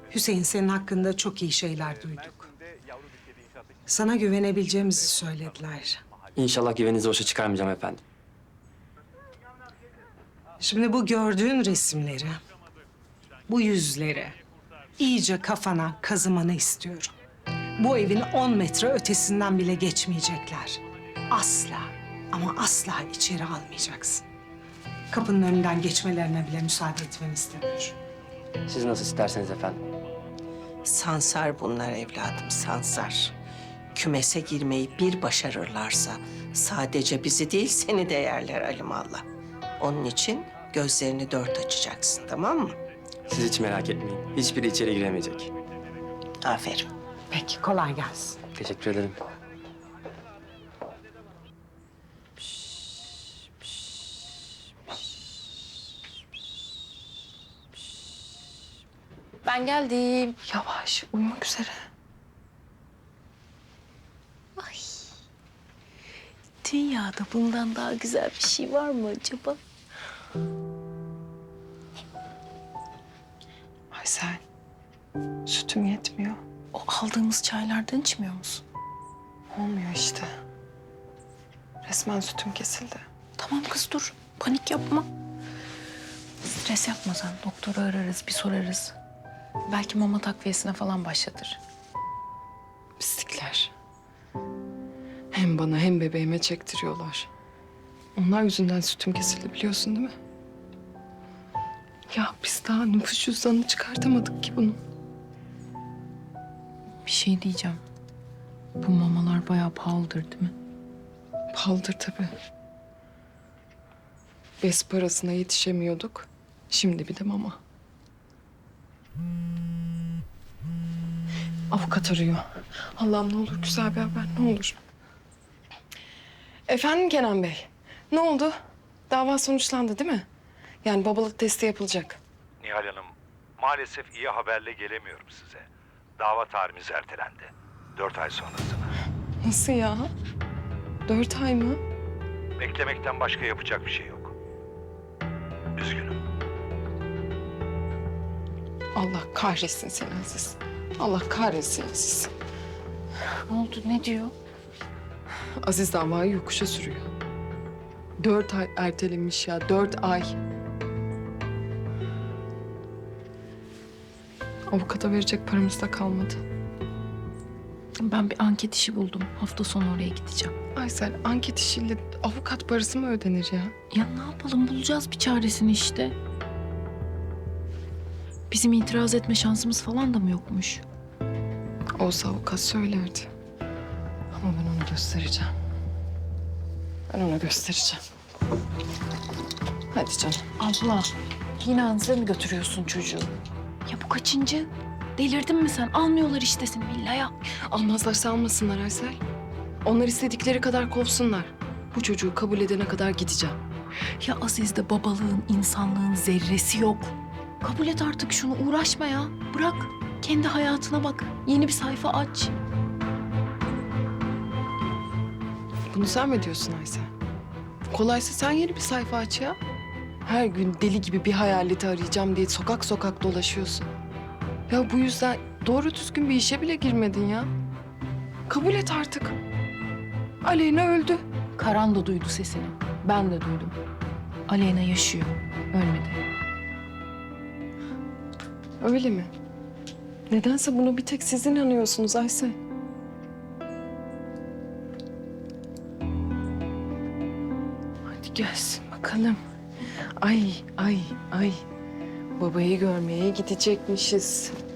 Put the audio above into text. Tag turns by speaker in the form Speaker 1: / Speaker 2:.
Speaker 1: Hüseyin, senin hakkında çok iyi şeyler duyduk. Sana güvenebileceğimizi söylediler.
Speaker 2: İnşallah güveninizi boşa çıkarmayacağım efendim.
Speaker 1: Şimdi bu gördüğün resimleri, bu yüzleri iyice kafana kazımanı istiyorum. Bu evin 10 metre ötesinden bile geçmeyecekler. Asla ama asla içeri almayacaksın. Kapının önünden geçmelerine bile müsaade etmeni istemiyorum.
Speaker 2: Siz nasıl isterseniz efendim.
Speaker 3: Sansar bunlar evladım, sansar. Kümese girmeyi bir başarırlarsa sadece bizi değil seni de yerler alimallah. Onun için gözlerini dört açacaksın, tamam mı?
Speaker 2: Siz hiç merak etmeyin. Hiçbiri içeri giremeyecek.
Speaker 3: Aferin.
Speaker 1: Peki, kolay gelsin.
Speaker 2: Teşekkür ederim.
Speaker 4: Ben geldim. Yavaş, uyumak üzere. Ay. Dünyada bundan daha güzel bir şey var mı acaba?
Speaker 5: Aysel, sütüm yetmiyor.
Speaker 4: O aldığımız çaylardan içmiyor musun?
Speaker 5: Olmuyor işte. Resmen sütüm kesildi.
Speaker 4: Tamam kız dur. Panik yapma. Stres yapma sen. Doktoru ararız, bir sorarız. Belki mama takviyesine falan başlatır.
Speaker 5: Pislikler. Hem bana hem bebeğime çektiriyorlar. Onlar yüzünden sütüm kesildi biliyorsun değil mi? Ya biz daha nüfus cüzdanını çıkartamadık ki bunun.
Speaker 4: Bir şey diyeceğim. Bu mamalar bayağı pahalıdır değil mi?
Speaker 5: Pahalıdır tabii. Bez parasına yetişemiyorduk. Şimdi bir de mama. Avukat arıyor. Allah'ım ne olur güzel bir haber ne olur. Efendim Kenan Bey. Ne oldu? Dava sonuçlandı değil mi? Yani babalık testi yapılacak.
Speaker 6: Nihal Hanım, maalesef iyi haberle gelemiyorum size. Dava tarihimiz ertelendi. 4 ay sonrasına.
Speaker 5: Nasıl ya? 4 ay mı?
Speaker 6: Beklemekten başka yapacak bir şey yok. Üzgünüm.
Speaker 5: Allah kahretsin seni Aziz. Allah kahretsin Aziz.
Speaker 4: Ne oldu? Ne diyor?
Speaker 5: Aziz davayı yokuşa sürüyor. 4 ay ertelenmiş ya, 4 ay. Avukata verecek paramız da kalmadı.
Speaker 4: Ben bir anket işi buldum. Hafta sonu oraya gideceğim.
Speaker 5: Aysel, anket işiyle avukat parası mı ödenir ya?
Speaker 4: Ya ne yapalım? Bulacağız bir çaresini işte. Bizim itiraz etme şansımız falan da mı yokmuş?
Speaker 5: Olsa avukat söylerdi. Ama ben ona göstereceğim. Ben ona göstereceğim. Hadi canım.
Speaker 4: Abla, yine Anz'e mi götürüyorsun çocuğu? Ya bu kaçıncı? Delirdin mi sen? Almıyorlar işte seni villaya.
Speaker 5: Almazlarsa almasınlar Aysel. Onlar istedikleri kadar kovsunlar. Bu çocuğu kabul edene kadar gideceğim.
Speaker 4: Ya Aziz'de babalığın, insanlığın zerresi yok. Kabul et artık şunu, uğraşma ya. Bırak, kendi hayatına bak. Yeni bir sayfa aç.
Speaker 5: Bunu sen mi diyorsun Aysel? Kolaysa sen yeni bir sayfa aç ya. Her gün deli gibi bir hayaleti arayacağım diye sokak sokak dolaşıyorsun. Ya bu yüzden doğru düzgün bir işe bile girmedin ya. Kabul et artık. Aleyna öldü.
Speaker 4: Karan da duydu sesini. Ben de duydum. Aleyna yaşıyor. Ölmedi.
Speaker 5: Öyle mi? Nedense bunu bir tek siz inanıyorsunuz Aysel. Hadi gelsin bakalım. Ay. Babayı görmeye gidecekmişiz.